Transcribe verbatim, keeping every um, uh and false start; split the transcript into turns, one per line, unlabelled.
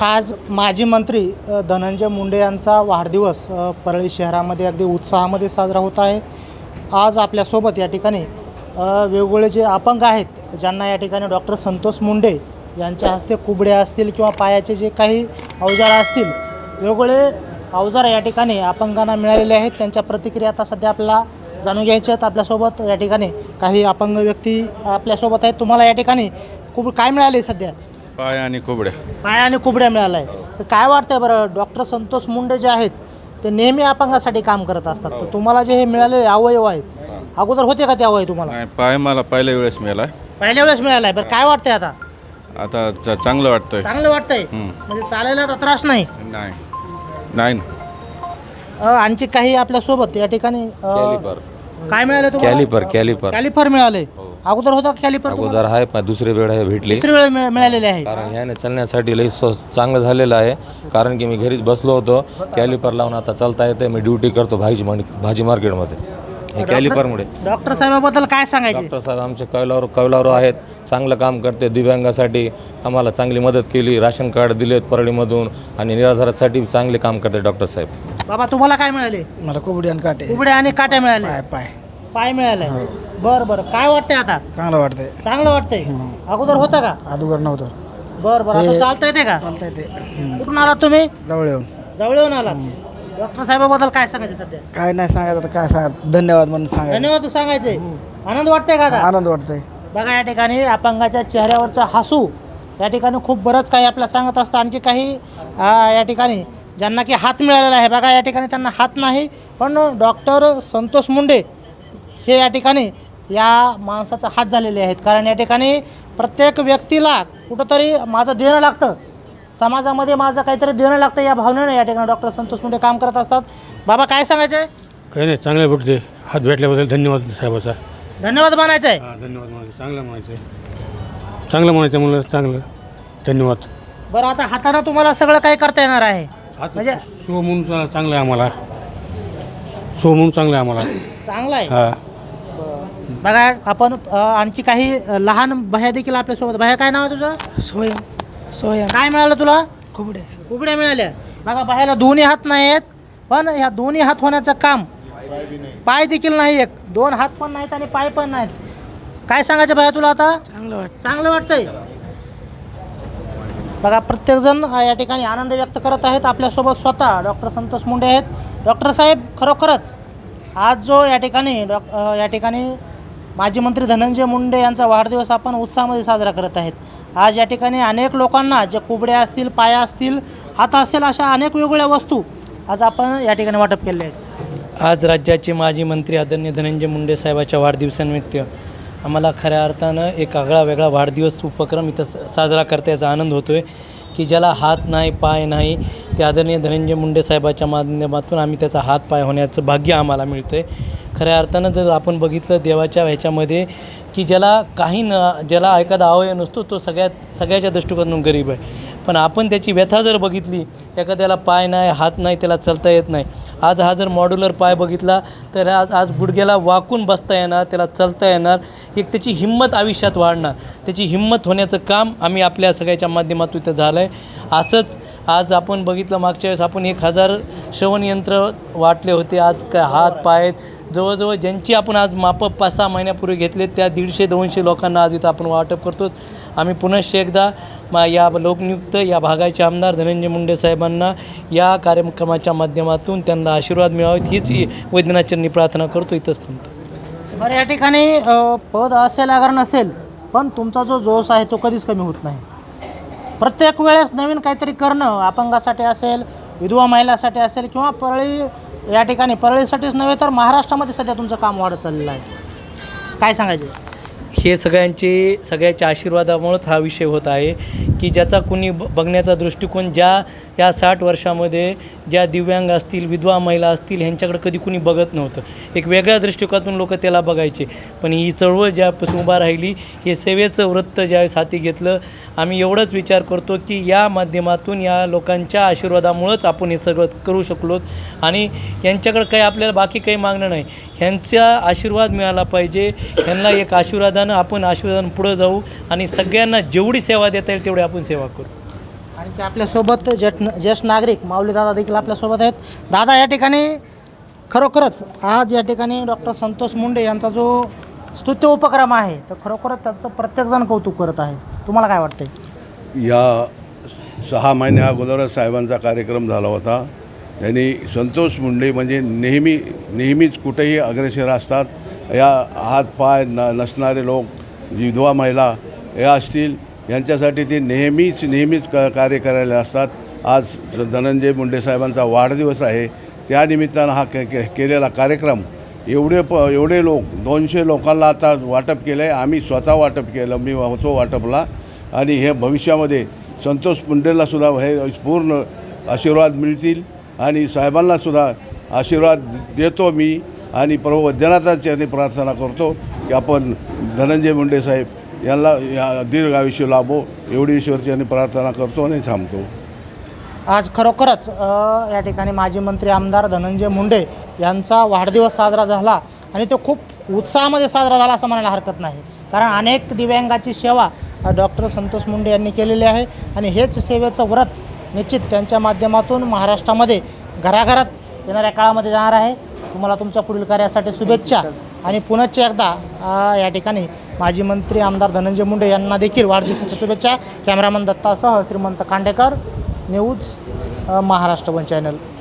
आज माजी मंत्री अ, धनंजय मुंडे यांचा वाढदिवस अ, परळी शहरामध्ये अगदी उत्साहामध्ये साजरा होत आहे. आज आपल्यासोबत या ठिकाणी अ, वेगवेगळे जे अपंग आहेत ज्यांना या ठिकाणी डॉक्टर संतोष मुंडे यांच्या हस्ते कुबड्या असतील किंवा पायाचे जे काही अवजार असतील वेगवेगळे अवजार या ठिकाणी अपंगांना मिळालेले आहेत. त्यांच्या प्रतिक्रिया आता सध्या आपल्याला जाणून घ्यायच्या आहेत. आपल्यासोबत या ठिकाणी काही अपंग व्यक्ती आपल्यासोबत आहेत. तुम्हाला या ठिकाणी कुब काय मिळाले सध्या?
पाय आणि कुबड्या.
पाय आणि कुबड्या मिळाला आहे. तर काय वाटतंय बरं, डॉक्टर संतोष मुंडे जे आहेत ते नेहमी अपंगासाठी काम करत असतात, तर तुम्हाला जे हे मिळालेले अवयव आहेत अगोदर होते का ते अवयव तुम्हाला?
नाही, पाय मला पहिल्या वेळेस मिळाला.
पहिल्या वेळेस मिळाला आहे. बरं काय वाटतंय आता?
आता च- चांगलं वाटतंय.
चांगलं वाटतंय
हं.
म्हणजे चालायला तर त्रास नाही?
नाही नाही
अ, आणखी काही आपल्यासोबत या ठिकाणी अ,
कॅलिपर
काय मिळालं तुम्हाला?
कॅलिपर कॅलिपर
कॅलिफर मिळाले. अगोदर होता कॅलिफर?
अगोदर आहे पण दुसरी वेळ आहे भेटली.
दुसरी वेळ मिळ- मिळालेले आहे.
कारण ह्याने चालण्यासाठी लई स्व चांगलं झालेलं आहे. कारण की मी घरीच बसलो होतो, कॅलिपर लावून आता चालता येते. मी ड्युटी करतो भाजी भाजी मार्केटमध्ये. हे कॅलिपरमुळे.
डॉक्टर साहेबाबद्दल काय सांगायचे?
डॉक्टर साहेब आमचे कौलावर कौलावर आहेत, चांगलं काम करते. दिव्यांगासाठी आम्हाला चांगली मदत केली, राशन कार्ड दिलेत परळीमधून आणि निराधारासाठी चांगले काम करते डॉक्टर साहेब.
बाबा तुम्हाला काय मिळाले?
मला कुबडी आणि काटे
कुबड्या आणि काट्या मिळाल्या.
पाय पाय
पाय मिळाले. बरं बरं काय वाटतंय आता?
चांगलं वाटतंय.
चांगलं वाटतंय. अगोदर होतं का?
अगोदर नव्हतं.
बरं बरं आता
हे-
चालता येते का?
चालता येते.
कुठून आलात तुम्ही?
जवळ येऊन
जवळ येऊन आलात. डॉक्टर साहेबाबद्दल काय सांगायचं सध्या?
काय नाही सांगायचं आता, काय सांगत धन्यवाद म्हणून सांगायचं.
धन्यवाद सांगायचे. आनंद वाटतंय का आता?
आनंद वाटतंय.
बघा या ठिकाणी अपंगाच्या चेहऱ्यावरचं हसू या ठिकाणी खूप बरंच काही आपल्याला सांगत असतं. आणखी काही आ, या ठिकाणी ज्यांना की हात मिळालेला आहे, बघा या ठिकाणी त्यांना हात नाही, पण डॉक्टर संतोष मुंडे हे या ठिकाणी या माणसाचा हात झालेले आहेत. कारण या ठिकाणी प्रत्येक व्यक्तीला कुठंतरी माझं देणं लागतं, समाजामध्ये माझं काहीतरी देणं लागतं या भावनेने या ठिकाणी डॉक्टर संतोष मुंडे काम करत असतात. बाबा काय सांगायचं आहे?
काही नाही, चांगले भेटते. हात भेटल्याबद्दल धन्यवाद साहेबाचा.
धन्यवाद मानायचं आहे.
हां, धन्यवाद म्हणायचं. चांगलं म्हणायचं चांगलं म्हणायचं म्हणलं चांगलं धन्यवाद.
बरं आता हाताने तुम्हाला सगळं काही करता येणार आहे
हात
म्हणजे
सो म्हणून चा- चांगलं आहे आम्हाला. सो म्हणून चांगलं आहे आम्हाला.
चांगलं आहे.
हां,
बघा आपण अ, आणखी काही अ, लहान भया देखील आपल्यासोबत. भया काय नाव आहे तुझं?
सोयम सोयम
काय मिळालं तुला?
कुबड्या.
कुबड्या मिळाल्या. बघा बाहेरला दोन्ही हात नाही आहेत, पण ह्या दोन्ही हात होण्याचं काम, पाय देखील नाही, एक दोन हात पण नाहीत आणि पाय पण नाहीत. काय सांगायचं भया तुला आता?
चांगलं वाटतं.
चांगलं वाटतंय. बघा प्रत्येकजण अ, या ठिकाणी आनंद व्यक्त करत आहेत. आपल्यासोबत स्वतः डॉक्टर संतोष मुंडे आहेत. डॉक्टर साहेब खरोखरच आज जो या ठिकाणी डॉ अ, या ठिकाणी माजी मंत्री धनंजय मुंडे यांचा वाढदिवस आपण उत्साहामध्ये साजरा करत आहेत. आज या ठिकाणी अनेक लोकांना जे कुबड्या असतील, पाया असतील, हात असेल, अशा अनेक वेगवेगळ्या वस्तू आज आपण या ठिकाणी वाटप केले आहेत.
आज राज्याचे माजी मंत्री आदरणीय धनंजय मुंडे साहेबाच्या वाढदिवसानिमित्त आम्हाला खऱ्या अर्थानं एक आगळा वेगळा वाढदिवस उपक्रम इथं स- साजरा करता याचा आनंद होतो आहे की ज्याला हात नाही, पाय नाही, ते आदरणीय धनंजय मुंडे साहेबाच्या माध्यमातून आम्ही त्याचा हात पाय होण्याचं भाग्य आम्हाला मिळतं आहे. खऱ्या अर्थानं जर आपण बघितलं देवाच्या ह्याच्यामध्ये की ज्याला काही न ज्याला एखादा अवयव नसतो तो सगळ्यात सगळ्याच्या दृष्टिकोनातून गरीब आहे, पण आपण त्याची व्यथा जर बघितली, एखाद्याला पाय नाही, हात नाही, त्याला चालता येत नाही. आज हा जर मॉड्युलर पाय बघितला तर आज आज गुडघ्याला वाकून बसता येणार, त्याला चालता येणार, एक त्याची हिंमत आयुष्यात वाढणार. त्याची हिंमत होण्याचं काम आम्ही आपल्या सगळ्याच्या माध्यमातून इथं झालं आहे. असंच आज आपण बघितलं मागच्या वेळेस आपण एक हजार श्रवणयंत्र वाटले होते. आज काय हात पाय जवळजवळ ज्यांची आपण आज मापं पाच सहा महिन्यापूर्वी घेतले त्या दीडशे दोनशे लोकांना आज इथं आपण वाटप करतो. आम्ही पुनश्च एकदा मा या लोकनियुक्त या भागाचे आमदार धनंजय मुंडे साहेबांना या कार्यक्रमाच्या माध्यमातून त्यांना आशीर्वाद मिळावेत हीच वैद्यनाथचरणी प्रार्थना करतो. इथंच थांबतो.
बरं या ठिकाणी अ, पद असेल अगर नसेल, पण तुमचा जो जोश आहे तो कधीच कमी होत नाही. प्रत्येक वेळेस नवीन काहीतरी करणं, अपंगासाठी असेल, विधवा महिलासाठी असेल, किंवा परळी या ठिकाणी परळीसाठीच नव्हे तर महाराष्ट्रामध्ये सध्या तुमचं काम वाढत चाललेलं आहे. काय सांगायचे?
हे सगळ्यांचे सगळ्याच्या आशीर्वादामुळेच हा विषय होत आहे की ज्याचा कुणी ब बघण्याचा दृष्टिकोन ज्या या साठ वर्षामध्ये ज्या दिव्यांग असतील, विधवा महिला असतील, ह्यांच्याकडे कधी कुणी बघत नव्हतं. एक वेगळ्या दृष्टिकोनातून लोक त्याला बघायचे, पण ही चळवळ ज्यापासून उभा राहिली, हे सेवेचं वृत्त ज्यावेळेस हाती घेतलं, आम्ही एवढंच विचार करतो की या माध्यमातून या लोकांच्या आशीर्वादामुळंच आपण हे सगळं करू शकलो. आणि यांच्याकडं काही आपल्याला बाकी काही मागणं नाही, ह्यांचा आशीर्वाद मिळाला पाहिजे. ह्यांना एक आशीर्वादानं आपण आशीर्वादानं पुढं जाऊ आणि सगळ्यांना जेवढी सेवा देता येईल तेवढी आपण सेवा करू.
आणि ते आपल्यासोबत ज्येष्ठ ज्येष्ठ नागरिक माऊली दादा देखील आपल्यासोबत आहेत. दादा, या ठिकाणी खरोखरच आज या ठिकाणी डॉक्टर संतोष मुंडे यांचा जो स्तुत्य उपक्रम आहे तर खरोखरच त्याचं प्रत्येकजण कौतुक करत आहे. तुम्हाला काय वाटतंय?
या सहा महिन्या अगोदरच साहेबांचा कार्यक्रम झाला होता. त्यांनी संतोष मुंडे म्हणजे नेहमी नेहमीच कुठेही अग्रेसर असतात. या हातपाय न नसणारे लोक, विधवा महिला या असतील, यांच्यासाठी ते नेहमीच नेहमीच क कार्य करायला असतात. आज धनंजय मुंडे साहेबांचा वाढदिवस आहे, त्यानिमित्तानं हा के के केलेला कार्यक्रम एवढे प एवढे लोक दोनशे लोकांना आता वाटप केलं आहे. आम्ही स्वतः वाटप केलं, मी होतो वाटपला. आणि हे भविष्यामध्ये संतोष मुंडेंनासुद्धा हे पूर्ण आशीर्वाद मिळतील आणि साहेबांनासुद्धा आशीर्वाद देतो मी. आणि प्रभू वैद्यनाथांच्या चरणी प्रार्थना करतो की आपण धनंजय मुंडे साहेब यांना या दीर्घ आयुष्य लाभो, एवढी ईश्वरचरणी प्रार्थना करतो आणि थांबतो.
आज खरोखरच अ, या ठिकाणी माजी मंत्री आमदार धनंजय मुंडे यांचा वाढदिवस साजरा झाला आणि तो खूप उत्साहामध्ये साजरा झाला असं म्हणायला हरकत नाही. कारण अनेक दिव्यांगाची सेवा डॉक्टर संतोष मुंडे यांनी केलेली आहे आणि हेच सेवेचं व्रत निश्चित त्यांच्या माध्यमातून महाराष्ट्रामध्ये घराघरात येणाऱ्या काळामध्ये जाणार आहे. तुम्हाला तुमच्या पुढील कार्यासाठी शुभेच्छा आणि पुनश्च एकदा अ, या ठिकाणी माजी मंत्री आमदार धनंजय मुंडे यांना देखील वाढदिवसाच्या शुभेच्छा. कॅमेरामन दत्तासह Shrimant Khandekar, news Maharashtra one channel.